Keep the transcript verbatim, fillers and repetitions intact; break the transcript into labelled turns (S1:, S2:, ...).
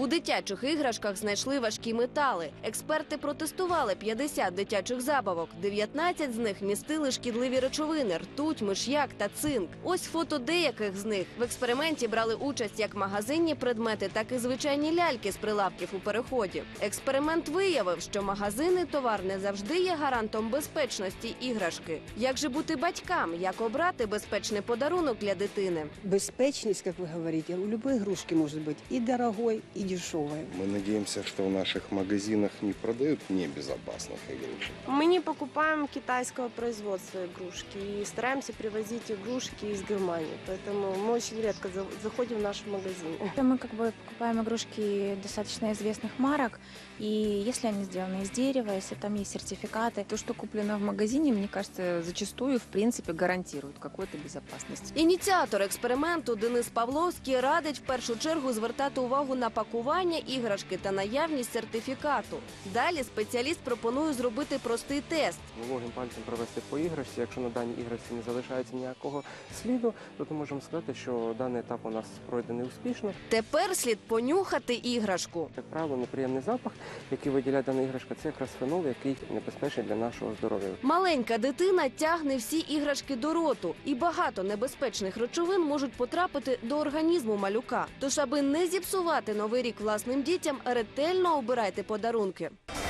S1: У дитячих іграшках знайшли важкі метали. Експерти протестували п'ятдесят дитячих забавок. дев'ятнадцять з них містили шкідливі речовини – ртуть, миш'як та цинк. Ось фото деяких з них. В експерименті брали участь як магазинні предмети, так і звичайні ляльки з прилавків у переході. Експеримент виявив, що магазинний товар не завжди є гарантом безпечності іграшки. Як же бути батькам? Як обрати безпечний подарунок для дитини?
S2: Безпечность, как вы говорите, у любой игрушки может быть и дорогой, и дешевой.
S3: Мы надеемся, что в наших магазинах не продают небезопасных игрушек.
S4: Мы не покупаем китайского производства игрушки и стараемся привозить игрушки из Германии. Поэтому мы очень редко заходим в наши магазины.
S5: Мы как бы покупаем игрушки достаточно известных марок, и если они сделаны из дерева, если там есть сертификаты.
S6: То, что куплено в магазине, мне кажется, зачастую, в принципе, гарантирует какую-то безопасность.
S1: Ініціатор експерименту Денис Павловський радить в першу чергу звертати увагу на пакування іграшки та наявність сертифікату. Далі спеціаліст пропонує зробити простий тест.
S7: Вологим пальцем провести по іграшці. Якщо на даній іграшці не залишається ніякого сліду, то ми можемо сказати, що даний етап у нас пройдений успішно.
S1: Тепер слід понюхати іграшку.
S7: Як правило, неприємний запах, який виділяє дана іграшка, це якраз фенол, який небезпечний для нашого здоров'я.
S1: Маленька дитина тягне всі іграшки до роту, і багато небезпечних речовин можуть потрапити до організму малюка. Тож, аби не зіпсувати Новий рік власним дітям, ретельно обирайте подарунки.